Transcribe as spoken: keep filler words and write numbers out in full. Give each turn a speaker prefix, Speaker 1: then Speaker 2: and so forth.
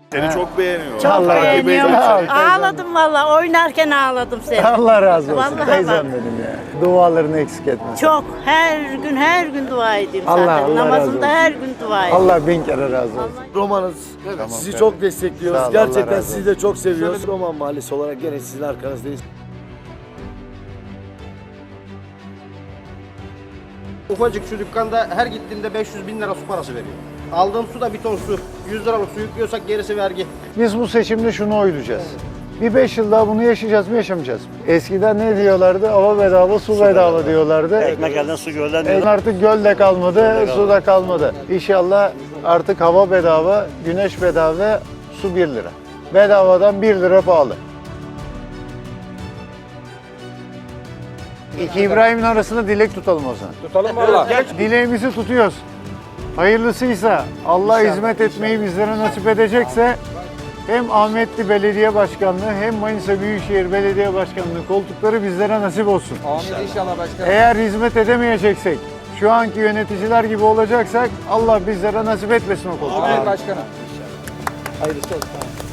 Speaker 1: Seni çok beğeniyor.
Speaker 2: Çok
Speaker 3: Allah
Speaker 2: beğeniyorum.
Speaker 3: razı olsun.
Speaker 2: Ağladım valla. Oynarken ağladım seni.
Speaker 3: Allah razı olsun.
Speaker 2: Vallahi
Speaker 3: Teyzem
Speaker 2: bak.
Speaker 3: benim ya. Dualarını eksik etmesin.
Speaker 2: Çok. Her gün her gün dua edeyim
Speaker 3: Allah-
Speaker 2: zaten.
Speaker 3: Allah razı
Speaker 2: Namazımda
Speaker 3: olsun.
Speaker 2: her gün dua edeyim.
Speaker 3: Allah bin kere razı olsun.
Speaker 4: Romanız.
Speaker 3: Tamam,
Speaker 4: sizi
Speaker 3: evet.
Speaker 4: çok destekliyoruz.
Speaker 3: Sağ ol, Allah
Speaker 4: Gerçekten
Speaker 3: razı
Speaker 4: sizi de çok seviyoruz. Roman Mahallesi olarak gene sizin arkanızdayız.
Speaker 5: Ufacık şu dükkanda her gittiğimde beş yüz bin lira su parası veriyor. Aldığım su da bir ton su. yüz liralık su yüklüyorsak gerisi vergi.
Speaker 3: Biz bu seçimde şunu oylayacağız. Bir beş yıl daha bunu yaşayacağız mı yaşamayacağız mı? Eskiden ne diyorlardı? Hava bedava, su bedava diyorlardı.
Speaker 6: Ekmek elden su gölden
Speaker 3: E,
Speaker 6: diyor.
Speaker 3: artık göl de kalmadı, su da kalmadı. İnşallah artık hava bedava, güneş bedava, su bir lira. Bedavadan bir lira pahalı. İki İbrahim'in arasında dilek tutalım o zaman.
Speaker 5: Tutalım valla.
Speaker 3: Dileğimizi tutuyoruz. Hayırlısıysa Allah hizmet etmeyi bizlere nasip edecekse hem Ahmetli Belediye Başkanlığı hem Manisa Büyükşehir Belediye Başkanlığı koltukları bizlere nasip olsun.
Speaker 5: Amin inşallah başkanım.
Speaker 3: Eğer hizmet edemeyeceksek, şu anki yöneticiler gibi olacaksak Allah bizlere nasip etmesin o koltukları.
Speaker 5: Amin başkanım. Hayırlısı olsun.